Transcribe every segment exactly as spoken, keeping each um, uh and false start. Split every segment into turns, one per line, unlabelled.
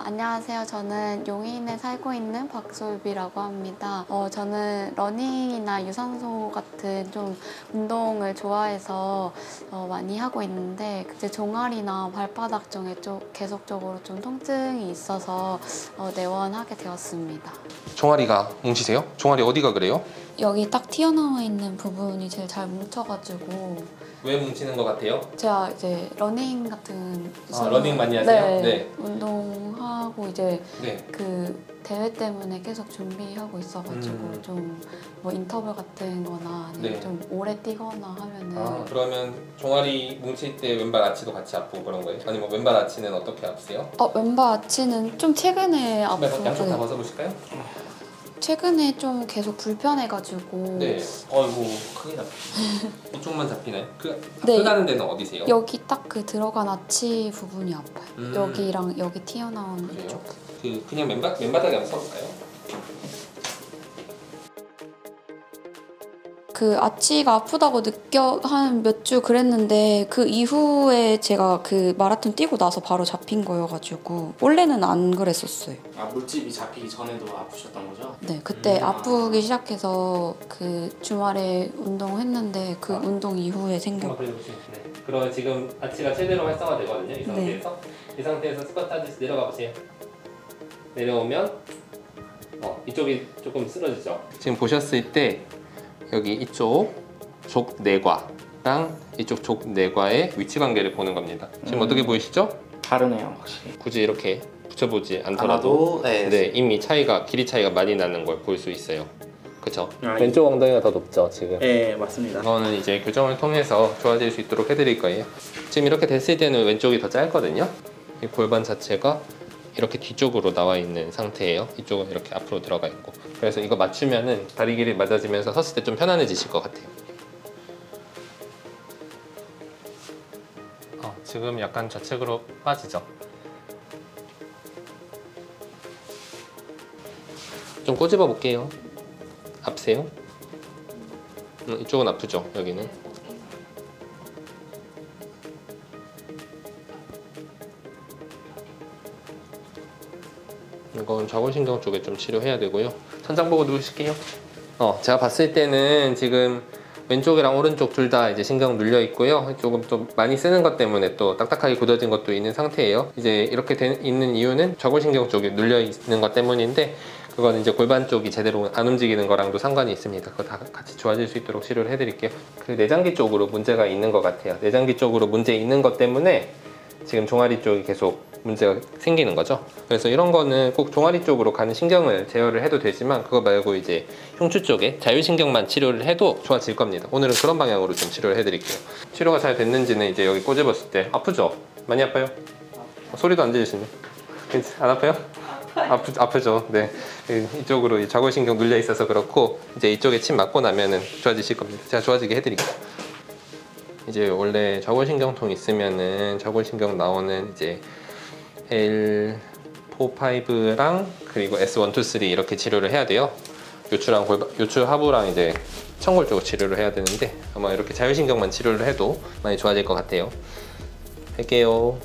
안녕하세요. 저는 용인에 살고 있는 박솔비라고 합니다. 어, 저는 러닝이나 유산소 같은 좀 운동을 좋아해서 어, 많이 하고 있는데 이제 종아리나 발바닥 쪽에 좀 계속적으로 좀 통증이 있어서 어, 내원하게 되었습니다.
종아리가 뭉치세요? 종아리 어디가 그래요?
여기 딱 튀어나와 있는 부분이 제일 잘 뭉쳐가지고
왜 뭉치는 것 같아요?
제가 이제 러닝 같은
아, 러닝 많이 하세요?
네,
네.
운동하고 이제
네.
그 대회 때문에 계속 준비하고 있어가지고
음.
좀 뭐 인터뷰 같은 거나 아니면
네.
좀 오래 뛰거나 하면은
아, 그러면 종아리 뭉칠 때 왼발 아치도 같이 아프고 그런 거예요? 아니면 왼발 아치는 어떻게 아프세요?
어, 왼발 아치는 좀 최근에
신발
아프
양쪽 다
네.
벗어보실까요?
최근에 좀 계속 불편해가지고
네. 어이구 크게 잡히네. 이쪽만 잡히나요? 그
네.
아프다는 데는 어디세요?
여기 딱 그 들어간 아치 부분이 아파요.
음.
여기랑 여기 튀어나온
그래요?
이쪽.
그 그냥 맨바, 맨바닥에 한번 서볼까요?
그 아치가 아프다고 느껴 한 몇 주 그랬는데 그 이후에 제가 그 마라톤 뛰고 나서 바로 잡힌 거여가지고 원래는 안 그랬었어요.
아, 물집이 잡히기 전에도 아프셨던 거죠?
네, 그때
음.
아프기 시작해서 그 주말에 운동했는데 그
아.
운동 이후에 생겨.
한번 그려보시면 네. 그럼 지금 아치가 최대로 활성화되거든요. 이 상태에서 이 상태에서 스쿼트 하듯이 내려가 보세요. 내려오면 어, 이쪽이 조금 쓰러지죠. 지금 보셨을 때 여기 이쪽 족내과랑 이쪽 족내과의 위치 관계를 보는 겁니다. 지금
음.
어떻게 보이시죠?
다르네요, 확실히.
굳이 이렇게 붙여보지 않더라도
하나도 네.
네, 이미 차이가 길이 차이가 많이 나는 걸 볼 수 있어요. 그렇죠?
아,
왼쪽 엉덩이가 더 높죠, 지금.
네, 맞습니다.
이거는 이제 교정을 통해서 좋아질 수 있도록 해드릴 거예요. 지금 이렇게 됐을 때는 왼쪽이 더 짧거든요. 이 골반 자체가 이렇게 뒤쪽으로 나와 있는 상태예요. 이쪽은 이렇게 앞으로 들어가 있고. 그래서 이거 맞추면은 다리 길이 맞아지면서 섰을 때 좀 편안해지실 것 같아요. 어, 지금 약간 좌측으로 빠지죠. 좀 꼬집어 볼게요. 아프세요? 음, 이쪽은 아프죠, 여기는. 이건 좌골신경 쪽에 좀 치료해야 되고요. 천장 보고 누우실게요. 어, 제가 봤을 때는 지금 왼쪽이랑 오른쪽 둘 다 이제 신경 눌려 있고요. 조금 좀 많이 쓰는 것 때문에 또 딱딱하게 굳어진 것도 있는 상태예요. 이제 이렇게 된, 있는 이유는 좌골신경 쪽에 눌려 있는 것 때문인데 그건 이제 골반 쪽이 제대로 안 움직이는 거랑도 상관이 있습니다. 그거 다 같이 좋아질 수 있도록 치료를 해드릴게요. 그 내장기 쪽으로 문제가 있는 것 같아요. 내장기 쪽으로 문제 있는 것 때문에 지금 종아리 쪽이 계속 문제가 생기는 거죠. 그래서 이런 거는 꼭 종아리 쪽으로 가는 신경을 제어를 해도 되지만 그거 말고 이제 흉추 쪽에 자율신경만 치료를 해도 좋아질 겁니다. 오늘은 그런 방향으로 좀 치료를 해드릴게요. 치료가 잘 됐는지는 이제 여기 꼬집었을 때 아프죠? 많이 아파요? 어, 소리도 안 들리시네. 안 아파요? 아프, 아프죠. 네. 이쪽으로 이 좌골신경 눌려 있어서 그렇고 이제 이쪽에 침 맞고 나면은 좋아지실 겁니다. 제가 좋아지게 해드릴게요. 이제 원래 좌골신경통 있으면은 좌골신경 나오는 이제 엘 사, 오랑 그리고 에스 일, 이, 삼 이렇게 치료를 해야 돼요. 요추랑 골반, 요추 하부랑 이제 청골 쪽 치료를 해야 되는데 아마 이렇게 자율신경만 치료를 해도 많이 좋아질 것 같아요. 할게요.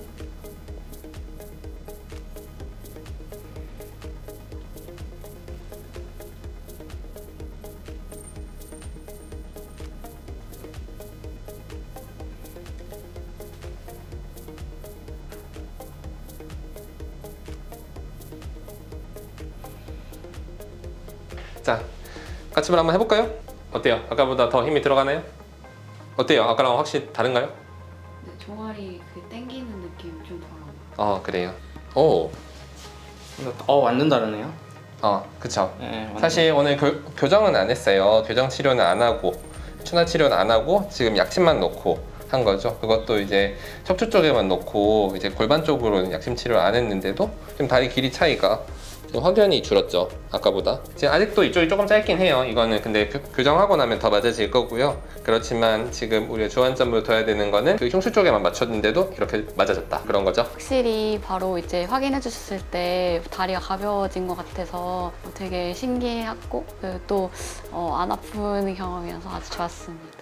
자, 까치발 한번 해볼까요? 어때요? 아까보다 더 힘이 들어가나요? 어때요? 아까랑 확실히 다른가요?
네, 종아리 그 땡기는 느낌 좀 덜어요.
어, 그래요. 오,
어, 완전 다르네요.
어, 그쵸.
네, 완전.
사실 오늘 교, 교정은 안 했어요. 교정 치료는 안 하고 추나 치료는 안 하고 지금 약침만 놓고 한 거죠. 그것도 이제 척추 쪽에만 놓고 이제 골반 쪽으로는 약침 치료를 안 했는데도 좀 다리 길이 차이가 좀 확연히 줄었죠, 아까보다. 지금 아직도 이쪽이 조금 짧긴 해요. 이거는 근데 교, 교정하고 나면 더 맞아질 거고요. 그렇지만 지금 우리가 주안점으로 둬야 되는 거는 그 흉추 쪽에만 맞췄는데도 이렇게 맞아졌다, 그런 거죠.
확실히 바로 이제 확인해 주셨을 때 다리가 가벼워진 것 같아서 되게 신기했고 또 안 아픈 경험이어서 아주 좋았습니다.